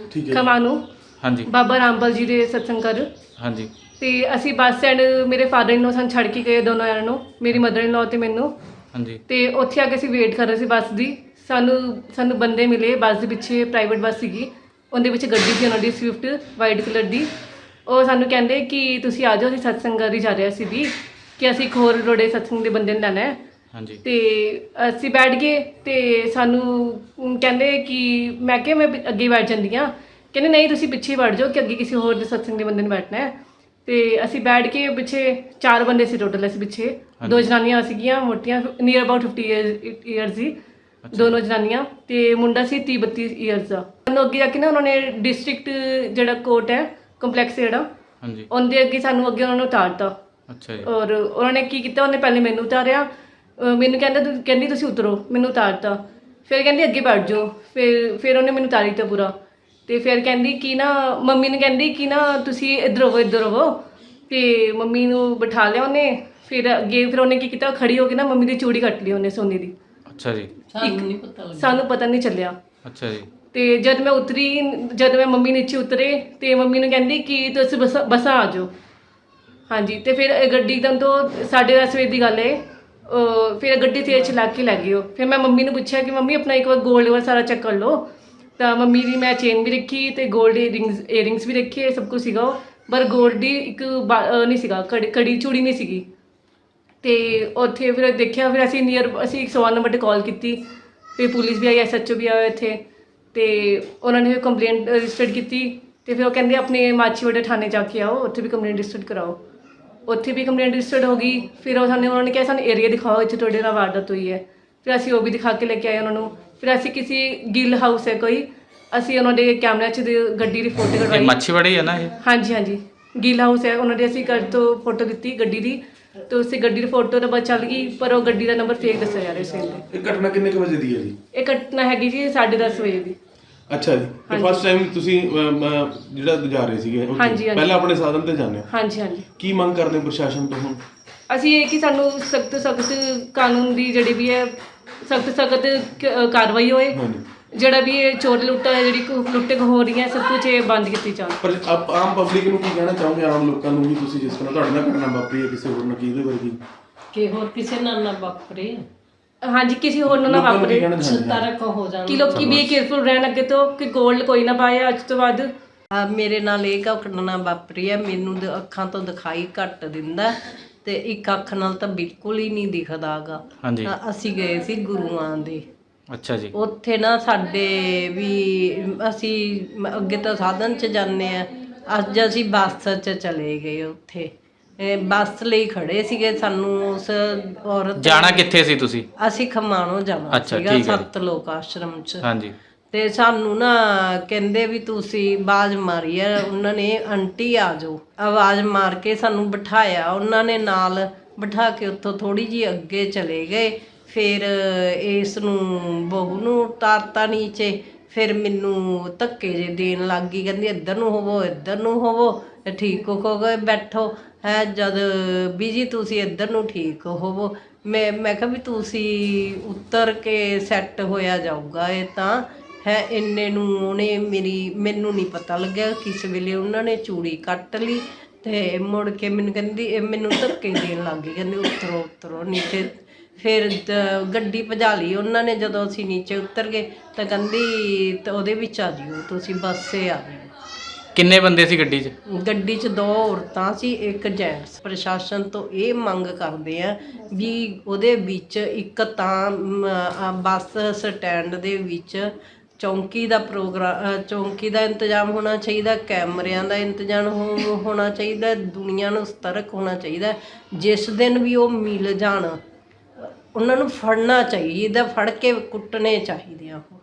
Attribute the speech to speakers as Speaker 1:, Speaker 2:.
Speaker 1: ਠੀਕ ਹੈ
Speaker 2: ਖਮਾਣੂ
Speaker 3: ਹਾਂਜੀ
Speaker 2: ਬਾਬਾ ਰਾਮਪਾਲ ਜੀ ਦੇ ਸਤਸੰਗ ਘਰ।
Speaker 3: ਹਾਂਜੀ
Speaker 2: ਤੇ ਅਸੀਂ ਬੱਸ ਸਟੈਂਡ ਮੇਰੇ ਫਾਦਰ ਇਨ ਲੋ ਸਾਨੂੰ ਛੱਡ ਕੇ ਗਏ ਦੋਨੋਂ ਜਣਿਆਂ ਨੂੰ, ਮੇਰੀ ਮਦਰ ਇਨ ਲੋ ਤੇ ਮੈਨੂੰ।
Speaker 3: ਹਾਂਜੀ
Speaker 2: ਤੇ ਉੱਥੇ ਆ ਕੇ ਅਸੀਂ ਵੇਟ ਕਰ ਰਹੇ ਸੀ ਬੱਸ ਦੀ। ਸਾਨੂੰ ਬੰਦੇ ਮਿਲੇ ਬੱਸ ਦੇ ਪਿੱਛੇ, ਪ੍ਰਾਈਵੇਟ ਬੱਸ ਸੀਗੀ, ਉਹਦੇ ਵਿੱਚ ਗੱਡੀ ਸੀ ਉਹਨਾਂ ਦੀ ਸਵਿਫਟ ਵਾਈਟ ਕਲਰ ਦੀ। ਉਹ ਸਾਨੂੰ ਕਹਿੰਦੇ ਕਿ ਤੁਸੀਂ ਆ ਜਾਓ, ਅਸੀਂ ਸਤਸੰਗ ਘਰ ਹੀ ਜਾ ਰਹੇ ਸੀ ਵੀ, ਕਿ ਅਸੀਂ ਇੱਕ ਹੋਰ ਰੋੜੇ ਸਤਸੰਗ ਦੇ ਬੰਦੇ ਨੂੰ ਲੈਣਾ ਹੈ।
Speaker 3: ਹਾਂਜੀ
Speaker 2: ਤੇ ਅਸੀਂ ਬੈਠ ਗਏ ਤੇ ਸਾਨੂੰ ਕਹਿੰਦੇ ਕਿ ਮੈਂ ਕਿਹਾ ਮੈਂ ਅੱਗੇ ਬੈਠ ਜਾਂਦੀ ਹਾਂ। ਕਹਿੰਦੇ ਨਹੀਂ ਤੁਸੀਂ ਪਿੱਛੇ ਹੀ ਬੈਠ ਜਾਓ ਕਿ ਅੱਗੇ ਕਿਸੇ ਹੋਰ ਦੇ ਸਤਸੰਗ ਦੇ ਬੰਦੇ ਨੇ ਬੈਠਣਾ ਹੈ। ਤੇ ਅਸੀਂ ਬੈਠ ਕੇ ਪਿੱਛੇ 4 ਬੰਦੇ ਸੀ ਟੋਟਲ, ਅਸੀਂ ਪਿੱਛੇ 2 ਜਨਾਨੀਆਂ ਸੀਗੀਆਂ ਮੋਟੀਆਂ, ਨੀਅਰ ਅਬਾਊਟ 50 ਈਅਰਸ ਦੀ ਦੋਨੋਂ ਜਨਾਨੀਆਂ, ਤੇ ਮੁੰਡਾ ਸੀ 30-32 ਈਅਰਸ ਦਾ। ਸਾਨੂੰ ਅੱਗੇ ਜਾ ਕੇ ਨਾ ਉਹਨਾਂ ਨੇ ਡਿਸਟ੍ਰਿਕਟ ਜਿਹੜਾ ਕੋਰਟ ਹੈ ਕੰਪਲੈਕਸ ਜਿਹੜਾ,
Speaker 3: ਹਾਂਜੀ
Speaker 2: ਉਹਦੇ ਅੱਗੇ ਸਾਨੂੰ ਅੱਗੇ ਉਹਨਾਂ ਨੂੰ ਉਤਾਰਤਾ।
Speaker 3: ਅੱਛਾ ਜੀ
Speaker 2: ਔਰ ਉਹਨਾਂ ਨੇ ਕੀ ਕੀਤਾ, ਉਹਨੇ ਪਹਿਲੇ ਮੈਨੂੰ ਉਤਾਰਿਆ, ਮੈਨੂੰ ਕਹਿੰਦੀ ਤੁਸੀਂ ਉਤਰੋ, ਮੈਨੂੰ ਉਤਾਰਤਾ। ਫਿਰ ਕਹਿੰਦੀ ਅੱਗੇ ਬੈਠ ਜਾਓ, ਫਿਰ ਉਹਨੇ ਮੈਨੂੰ ਉਤਾਰ ਦਿੱਤਾ ਪੂਰਾ। ਤੇ ਫਿਰ ਕਹਿੰਦੀ ਕਿ ਨਾ ਮੰਮੀ ਨੇ ਕਹਿੰਦੀ ਕਿ ਨਾ ਤੁਸੀਂ ਇੱਧਰ ਹੋਵੋ। ਤੇ ਮੰਮੀ ਨੂੰ ਬਿਠਾ ਲਿਆ ਉਹਨੇ। ਫਿਰ ਅੱਗੇ ਫਿਰ ਉਹਨੇ ਕੀ ਕੀਤਾ, ਖੜੀ ਹੋ ਕੇ ਨਾ ਮੰਮੀ ਦੀ ਚੂੜੀ ਕੱਟ ਲਈ ਉਹਨੇ ਸੋਨੇ ਦੀ।
Speaker 3: ਅੱਛਾ ਜੀ
Speaker 2: ਸਾਨੂੰ ਪਤਾ ਨਹੀਂ ਚੱਲਿਆ।
Speaker 3: ਅੱਛਾ ਜੀ
Speaker 2: ਤੇ ਜਦ ਮੈਂ ਮੰਮੀ ਨੀਚੇ ਉਤਰੇ ਤੇ ਮੰਮੀ ਨੂੰ ਕਹਿੰਦੀ ਕਿ ਤੁਸੀਂ ਬੱਸਾਂ ਆ ਜਾਓ। ਹਾਂਜੀ। ਤੇ ਫਿਰ ਗੱਡੀ ਤੋਂ 10:30 ਵਜੇ ਦੀ ਗੱਲ ਹੈ। ਫਿਰ ਗੱਡੀ ਤੇਜ਼ ਚਲਾ ਕੇ ਲੈ ਗਏ ਉਹ। ਫਿਰ ਮੈਂ ਮੰਮੀ ਨੂੰ ਪੁੱਛਿਆ ਕਿ ਮੰਮੀ ਆਪਣਾ ਇੱਕ ਵਾਰ ਗੋਲਡ ਵਾਲਾ ਸਾਰਾ ਚੈੱਕ ਕਰ ਲਓ। ਤਾਂ ਮੰਮੀ ਦੀ ਮੈਂ ਚੇਨ ਵੀ ਰੱਖੀ ਤੇ ਗੋਲਡ ਏਅਰਿੰਗਸ ਵੀ ਰੱਖੇ, ਸਭ ਕੁਝ ਸੀਗਾ ਉਹ, ਪਰ ਗੋਲਡ ਦੀ ਇੱਕ ਨਹੀਂ ਸੀਗਾ, ਕੜੀ ਚੂੜੀ ਨਹੀਂ ਸੀਗੀ। ਤੇ ਉੱਥੇ ਫਿਰ ਦੇਖਿਆ, ਫਿਰ ਅਸੀਂ 101 ਨੰਬਰ 'ਤੇ ਕਾਲ ਕੀਤੀ। ਫਿਰ ਪੁਲਿਸ ਵੀ ਆਈ, SHO ਵੀ ਆਇਆ ਇੱਥੇ। ਤੇ ਉਹਨਾਂ ਨੇ ਕੰਪਲੇਂਟ ਰਜਿਸਟਰ ਕੀਤੀ। ਤੇ ਫਿਰ ਉਹ ਕਹਿੰਦੇ ਆਪਣੇ ਮਾਛੀਵਾੜਾ ਥਾਣੇ ਜਾ ਕੇ ਆਓ, ਉੱਥੇ ਵੀ ਕੰਪਲੇਂਟ ਰਜਿਸਟਰ ਕਰਾਓ। ਉੱਥੇ ਵੀ ਕੰਪਲੇਂਟ ਰਜਿਸਟਰਡ ਹੋ ਗਈ। ਫਿਰ ਉਹਨਾਂ ਨੇ ਕਿਹਾ ਸਾਨੂੰ ਏਰੀਆ ਦਿਖਾਓ ਇੱਥੇ ਤੁਹਾਡੇ ਨਾਲ ਵਾਰਦਾਤ ਹੋਈ ਹੈ। ਫਿਰ ਅਸੀਂ ਉਹ ਵੀ ਦਿਖਾ ਕੇ ਲੈ ਕੇ ਆਏ ਉਹਨਾਂ ਨੂੰ। ਫਿਰ ਅਸੀਂ ਕਿਸੇ ਗਿੱਲ ਹਾਊਸ ਹੈ ਕੋਈ, ਅਸੀਂ ਉਹਨਾਂ ਦੇ ਕੈਮਰਿਆਂ 'ਚ ਗੱਡੀ ਦੀ ਫੋਟੋ
Speaker 3: ਇਹ
Speaker 2: ਕਢਵਾਈ।
Speaker 3: ਮੱਛੀਵਾੜੀ ਹੈ ਨਾ ਇਹ?
Speaker 2: ਹਾਂਜੀ ਗਿੱਲ ਹਾਊਸ ਹੈ ਉਹਨਾਂ ਦੇ। ਅਸੀਂ ਘਰ ਤੋਂ ਫੋਟੋ ਦਿੱਤੀ ਗੱਡੀ ਦੀ, ਤੇ ਉਸੇ ਗੱਡੀ ਦੀ ਫੋਟੋ ਤਾਂ ਬਸ ਚੱਲ ਗਈ, ਪਰ ਉਹ ਗੱਡੀ ਦਾ ਨੰਬਰ ਫੇਕ ਦੱਸਿਆ ਜਾ ਰਿਹਾ ਸੀ।
Speaker 1: ਇਹ ਘਟਨਾ ਕਿੰਨੇ ਕੁ ਵਜੇ ਦੀ ਹੈ ਜੀ?
Speaker 2: ਇਹ ਘਟਨਾ ਹੈਗੀ ਜੀ 10:30 ਵਜੇ ਦੀ।
Speaker 1: ਅੱਛਾ ਜੀ। ਤੇ ਫਸਟ ਟਾਈਮ ਤੁਸੀਂ ਜਿਹੜਾ ਜਾ ਰਹੇ ਸੀਗੇ ਉੱਥੇ,
Speaker 2: ਹਾਂਜੀ।
Speaker 1: ਪਹਿਲਾਂ ਆਪਣੇ ਸਾਧਨ ਤੇ ਜਾਂਦੇ ਹੋ?
Speaker 2: ਹਾਂਜੀ।
Speaker 1: ਕੀ ਮੰਗ ਕਰਦੇ ਹੋ ਪ੍ਰਸ਼ਾਸਨ ਤੋਂ ਹੁਣ?
Speaker 2: ਅਸੀਂ ਇਹ ਕਿ ਸਾਨੂੰ ਸਖਤ ਕਾਨੂੰਨ ਦੀ ਜਿਹੜੀ ਵੀ ਹੈ ਸਖਤ ਕਾਰਵਾਈ ਹੋਏ।
Speaker 1: ਹਾਂਜੀ।
Speaker 2: ਜਿਹੜਾ ਵੀ ਇਹ ਚੋਰ ਲੁੱਟਾ ਹੈ, ਜਿਹੜੀ ਲੁੱਟੇ ਹੋ ਰਹੀ ਹੈ, ਸਭ ਕੁਝ ਇਹ ਬੰਦ ਕੀਤੀ ਜਾਵੇ।
Speaker 1: ਪਰ ਆਮ ਪਬਲਿਕ ਨੂੰ ਕੀ ਕਹਿਣਾ ਚਾਹੋਗੇ, ਆਮ ਲੋਕਾਂ ਨੂੰ ਵੀ? ਤੁਸੀਂ ਜਿਸ ਤਰ੍ਹਾਂ ਤੁਹਾਡੇ ਨਾਲ ਘਟਨਾ ਵਾਪਰੀ ਹੈ, ਕਿਸੇ ਹੋਰ ਨਾਲ ਕੀ ਇਹਦੇ ਵਰਗੀ
Speaker 4: ਕਿ ਹੋਰ ਕਿਸੇ ਨਾਲ ਨਾ ਵਾਪਰੇ।
Speaker 2: ਹਾਂਜੀ, ਕਿਸੇ ਹੋਰ ਨੂੰ ਨਾ ਵਾਪਰੇ,
Speaker 4: ਸਤਰਕ ਹੋ ਜਾਣ
Speaker 2: ਕਿ ਲੋਕੀ ਵੀ ਕੇਅਰਫੁਲ ਰਹਿਣ ਅੱਗੇ ਤੋਂ, ਕਿ ਗੋਲਡ ਕੋਈ ਨਾ ਪਾਏ ਅੱਜ ਤੋਂ ਬਾਅਦ।
Speaker 4: ਮੇਰੇ ਨਾਲ ਇਹ ਘਟਨਾ ਵਾਪਰੀ ਹੈ। ਮੈਨੂੰ ਅੱਖਾਂ ਤੋਂ ਦਿਖਾਈ ਘੱਟ ਦਿੰਦਾ ਤੇ ਇੱਕ ਅੱਖ ਨਾਲ ਤਾਂ ਬਿਲਕੁਲ ਹੀ ਨਹੀਂ ਦਿਖਦਾਗਾ।
Speaker 3: ਹਾਂਜੀ।
Speaker 4: ਅਸੀਂ ਗਏ ਸੀ ਗੁਰੂਆਂ ਦੇ।
Speaker 3: ਅੱਛਾ ਜੀ।
Speaker 4: ਉੱਥੇ ਨਾ ਸਾਡੇ ਵੀ ਅਸੀਂ ਅੱਗੇ ਤਾਂ ਸਾਧਨ 'ਚ ਜਾਂਦੇ ਆ, ਅੱਜ ਅਸੀਂ ਬੱਸ 'ਚ ਚਲੇ ਗਏ। ਉੱਥੇ ਬੱਸ ਲਈ ਖੜੇ ਸੀਗੇ। ਸਾਨੂੰ ਉਸ ਔਰਤ
Speaker 3: ਜਾਣਾ ਕਿੱਥੇ ਸੀ ਤੁਸੀਂ?
Speaker 4: ਅਸੀਂ ਖਮਾਣੋਂ ਜਾਣਾ ਸੀਗਾ, ਸਤਲੋਕ ਆਸ਼ਰਮ 'ਚ।
Speaker 3: ਹਾਂਜੀ।
Speaker 4: ਤੇ ਸਾਨੂੰ ਨਾ ਕਹਿੰਦੇ ਵੀ ਤੁਸੀਂ ਆਵਾਜ਼ ਮਾਰੀ ਆ, ਉਹਨਾਂ ਨੇ ਆਂਟੀ ਆ ਜਾਓ, ਆਵਾਜ਼ ਮਾਰ ਕੇ ਸਾਨੂੰ ਬਿਠਾਇਆ ਉਹਨਾਂ ਨੇ, ਨਾਲ ਬਿਠਾ ਕੇ ਉੱਥੋਂ ਥੋੜੀ ਜਿਹੀ ਅੱਗੇ ਚਲੇ ਗਏ। ਫਿਰ ਇਸ ਨੂੰ ਬਹੂ ਨੂੰ ਉਤਾਰਤਾ ਨੀਚੇ। ਫਿਰ ਮੈਨੂੰ ਧੱਕੇ ਜੇ ਦੇਣ ਲੱਗ ਗਈ, ਕਹਿੰਦੀ ਇੱਧਰ ਨੂੰ ਹੋਵੋ, ਠੀਕ ਹੋ ਗਏ ਬੈਠੋ ਹੈ। ਜਦ ਵੀ ਜੀ ਤੁਸੀਂ ਇੱਧਰ ਨੂੰ ਠੀਕ ਹੋਵੋ। ਮੈਂ ਕਿਹਾ ਵੀ ਤੁਸੀਂ ਉਤਰ ਕੇ ਸੈੱਟ ਹੋਇਆ ਜਾਊਗਾ ਇਹ ਤਾਂ ਹੈ। ਇੰਨੇ ਨੂੰ ਉਹਨੇ ਮੈਨੂੰ ਨਹੀਂ ਪਤਾ ਲੱਗਿਆ ਕਿਸ ਵੇਲੇ ਉਹਨਾਂ ਨੇ ਚੂੜੀ ਕੱਟ ਲਈ। ਤੇ ਮੁੜ ਕੇ ਮੈਨੂੰ ਧੱਕੇ ਦੇਣ ਲੱਗ ਗਈ, ਕਹਿੰਦੀ ਉਤਰੋ ਨੀਚੇ। ਫਿਰ ਗੱਡੀ ਭਜਾ ਲਈ ਉਹਨਾਂ ਨੇ। ਜਦੋਂ ਅਸੀਂ ਨੀਚੇ ਉਤਰ ਗਏ ਤਾਂ ਕਹਿੰਦੀ ਤਾਂ ਉਹਦੇ ਵਿੱਚ ਆ ਜਿਓ ਤੁਸੀਂ, ਬੱਸੇ ਆ ਜਿਓ।
Speaker 3: ਕਿੰਨੇ ਬੰਦੇ ਸੀ ਗੱਡੀ 'ਚ?
Speaker 4: ਗੱਡੀ 'ਚ 2 ਔਰਤਾਂ ਸੀ, 1 ਜੈਂਟਸ। ਪ੍ਰਸ਼ਾਸਨ ਤੋਂ ਇਹ ਮੰਗ ਕਰਦੇ ਆ ਵੀ ਉਹਦੇ ਵਿੱਚ ਇੱਕ ਤਾਂ ਬੱਸ ਸਟੈਂਡ ਦੇ ਵਿੱਚ ਚੌਂਕੀ ਦਾ ਇੰਤਜ਼ਾਮ ਹੋਣਾ ਚਾਹੀਦਾ, ਕੈਮਰਿਆਂ ਦਾ ਇੰਤਜ਼ਾਮ ਹੋਣਾ ਚਾਹੀਦਾ, ਦੁਨੀਆ ਨੂੰ ਸਤਰਕ ਹੋਣਾ ਚਾਹੀਦਾ। ਜਿਸ ਦਿਨ ਵੀ ਉਹ ਮਿਲ ਜਾਣ ਉਹਨਾਂ ਨੂੰ ਫੜਨਾ ਚਾਹੀਦਾ, ਫੜ ਕੇ ਕੁੱਟਣੇ ਚਾਹੀਦੇ ਆ ਉਹ।